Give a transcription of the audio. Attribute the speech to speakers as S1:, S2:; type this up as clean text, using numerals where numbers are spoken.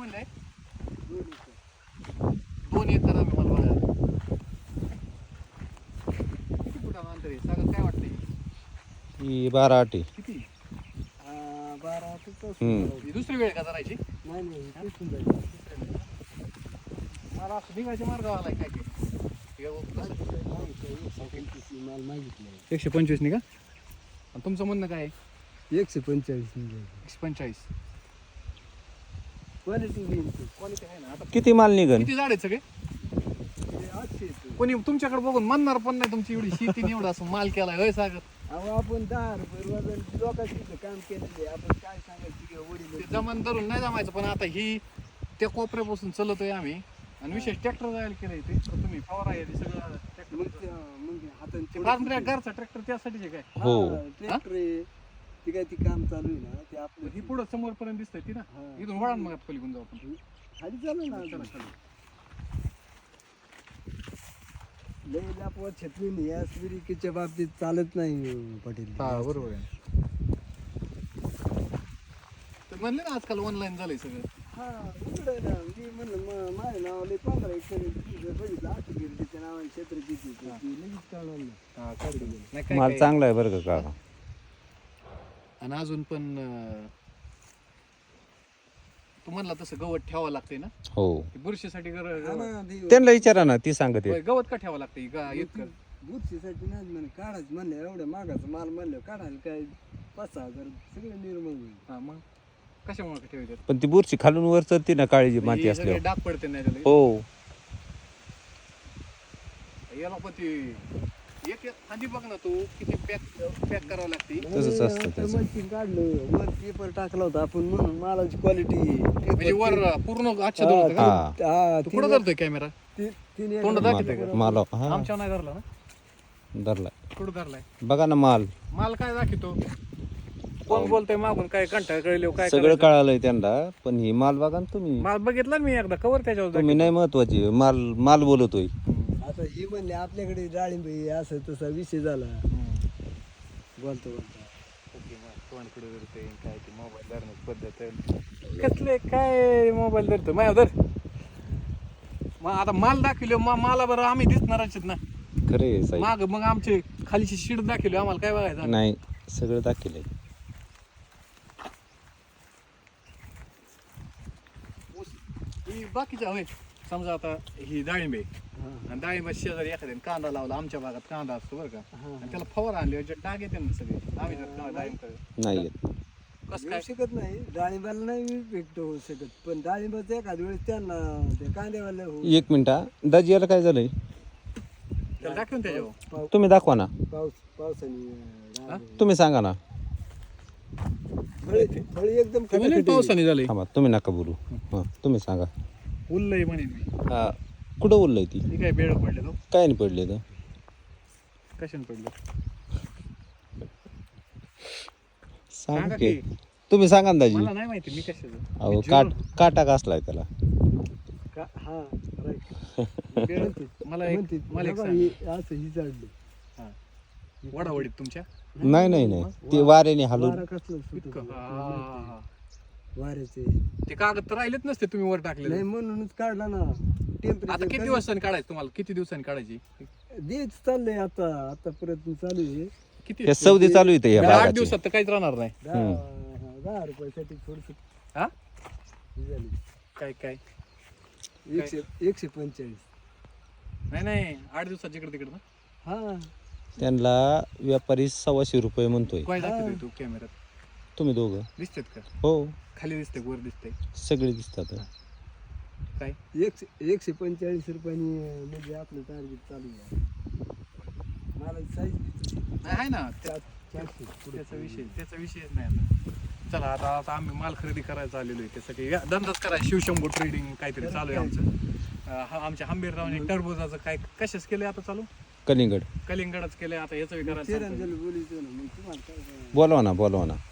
S1: म्हणले 2 एकर आम्ही मला बघायला. किती फुटाचं अंतर आहे सागर काय वाटतंय?
S2: ही 12 8 आहे.
S1: किती?
S3: 12
S1: ही दुसरी वेळ का करायची?
S3: नाही
S1: मला असं निघायच्या मार्गावर आलाय काय काय
S3: माल मागितलं
S1: 125 नि का? आणि तुमचं म्हणणं काय आहे?
S3: 145
S1: 145.
S3: क्वालिटी
S1: क्वालिटी आहे ना. आता
S2: किती माल निघन?
S1: किती झाड आहेत सगळे?
S3: 800.
S1: कोणी तुमच्याकडे बघून म्हणणार पण नाही तुमची एवढी शेती एवढा असं माल केलाय होय सागर?
S3: अहो आपण 10 रुपये वजन लोकांचं काम केलेलं आहे. आपण काय सांगायचं की वडील
S1: ते जमान धरून नाही जमायचं, पण आता ही त्या कोपऱ्यापासून चलतोय आम्ही आणि विशेष ट्रॅक्टर जायला केलंय ते. तर तुम्ही फवारा आहे ते सगळं ट्रॅक्टर
S3: मग हाताने
S1: घरचा ट्रॅक्टर त्यासाठीच आहे काय?
S2: हो.
S3: ट्रॅक्टर आहे ती काय ती काम चालू आहे ना ते आपलं
S1: ही पुढं समोर पर्यंत दिसतंय ती ना.
S3: हा.
S1: इथून वळण मग पलीकडून जाऊ आपण.
S3: खाली चालू ना
S1: चला, चला.
S3: लय लापवत छत्री या स्पिरिकीच्या बाबतीत चालत नाही पाटील.
S1: हा बरोबर आहे. तर म्हणले ना आजकाल ऑनलाईन झालंय सगळं.
S3: हा उघडं ना मी म्हणलं माझ्या नावाला 15 एकर बघितलं असं गेलं त्याच्या नावाने क्षेत्र किती ते लगेच कळणार नाही.
S1: नाही काय
S2: माल
S1: काय.
S2: चांगला आहे बरं का काका.
S1: आणि अजून पण तू म्हणला तसं गवत ठेवावं लागतंय ना.
S2: हो.
S1: बुरशीसाठी
S3: हा ना, ते
S2: त्यांना विचारा ना, ती सांगते.
S1: गवत का ठेवावं लागतंय इतकं?
S3: बुरशीसाठी नाही म्हणे काढायचं म्हणलं एवढ्या मागाचं माल म्हणलं काढायला काय 5-6 हजार सगळे निर्मळ होईल.
S1: हा मग कशामुळे ठेवायचं?
S2: पण ती बुरशी खालून वर चढते ना, काळीची माती
S1: हे सगळे
S2: असल्यावर.
S1: डाग पडते नाही त्याला.
S2: हो.
S1: याला पण ती एक आधी बघ ना तू किती पॅक करावं लागते.
S2: तसंच असतं त्याचं.
S3: मशीन काढलं वर पेपर टाकला होता आपण म्हणून मालाची क्वालिटी
S1: म्हणजे वर पूर्ण आच्छादन होतं का?
S2: हा.
S1: तू कुठं धरतोय कॅमेरा? तोंड दाखवतोय का?
S2: माल हा
S1: आमच्या नाही धरला ना.
S2: धरलाय.
S1: कुठं धरलाय?
S2: बघा ना माल
S1: माल काय दाखवतो? कोण बोलतोय मागून? काय कंटाळ कळले काय
S2: सगळं
S1: करायचं?
S2: कळालंय त्यांना, पण ही माल बघा ना तुम्ही.
S1: माल बघितला ना मी एकदा कवर त्याच्यावर
S2: तुम्ही नाही महत्वाची, माल माल बोलतोय.
S3: आता ही म्हणले आपल्याकडे डाळिंब आहे, असं तसा विषय झाला बोलतो
S1: तोंड पुढे धरते काय ते मोबाईल धरण्याची पद्धत आहे. कसले काय मोबाईल धरतो माझ्या धर. मग आता माल दाखवले माला बरं आम्ही दिसणारच आहेत ना
S2: खरे साहेब.
S1: माग. मग आमचे खालीची शीट दाखवली आम्हाला काय बघायचं?
S2: नाही सगळं दाखवलंय.
S1: ही बाकीच्या होय. समजा आता ही डाळिंब आहे आणि डाळिंबाच्या शेजारी एखाद्याने कांदा लावला. आमच्या भागात कांदा असतो बरं का. आणि त्याला फवारा आणले डाग येते ना सगळे. आम्ही जर डाळिंब
S2: नाही येत.
S1: कसं
S3: येऊ
S1: काय?
S3: शकत नाही डाळिंबाला नाही इफेक्ट होऊ शकत पण डाळिंबाचं एखाद्या वेळेस त्यांना ते कांद्यावाला होऊ
S2: 1 मिनिट दाजी, याला काय झालंय?
S1: त्याला दाखवून त्याच्यावर
S2: तुम्ही दाखवा ना,
S3: पावसाने
S2: तुम्ही सांगा ना.
S3: फळी एकदम खटाखट
S1: पावसाने झाले.
S2: थांबा, तुम्ही नका बोलू. हा तुम्ही सांगा.
S1: उरलंय म्हणेन मी.
S2: हा कुठं बोललंय ती?
S1: ती काय बेळ पडले तो?
S2: काय नाही पडले तर.
S1: कशाने पडलं?
S2: सांगा
S1: की.
S2: की. तुम्ही सांगा ना दाजी.
S1: मला नाही माहिती मी कशाचं.
S2: अहो काटा कसलाय त्याला?
S3: हा राईट
S1: मला एक
S3: म्हणते
S1: सांग.
S3: असं ही चढली
S1: वडावडीत तुमच्या
S2: नाही नाही नाही, ते वाऱ्याने हलून.
S3: वारा कसलं सुटत
S1: इतकं?
S3: होतं. वाऱ्याचे
S1: ते कागद तर राहिलेच नसते तुम्ही वर टाकले.
S3: नाही म्हणूनच काढला ना
S1: आता किती
S3: टेम्परेचर
S1: दिवसांनी काढायचं तुम्हाला? किती दिवसांनी काढायची?
S3: देच चाललंय आता प्रयत्न चालू आहे
S1: किती?
S2: हे सौदी चालू येते या
S1: म्हणजे 8
S2: बागाचे.
S1: दिवसात तर काहीच राहणार नाही.
S3: 10 रुपयासाठी थोडस
S1: हा
S3: झाली
S1: काय काय
S3: 145
S1: नाही 8 दिवसात जिकडे तिकडे ना.
S3: हा
S2: त्यांना व्यापारी 125 रुपये म्हणतोय.
S1: काय दाखवतोय तू कॅमेऱ्यात?
S2: तुम्ही दोघं?
S1: दिसतेत का?
S2: हो
S1: खाली दिसते वर दिसते
S2: सगळे दिसतात.
S1: काय?
S3: 145 रुपयांनी म्हणजे आपलं टार्गेट चालू आहे मला साईज
S1: नाही आहे ना त्याचा विषयच नाही आता. चला आता आम्ही माल खरेदी करायला आलेलो आहे. त्यासाठी धंदाच करायचा. शिवशंभू ट्रेडिंग काहीतरी चालू आहे आमचं. आमच्या हंबीररावने टरबुजाचं काय कशाच केलंय आता चालू?
S2: कलिंगड.
S1: कलिंगडच केलंय आता. याचं करायचं.
S3: बोलायचं ना मग तुम्हाला काय
S2: बोलवा ना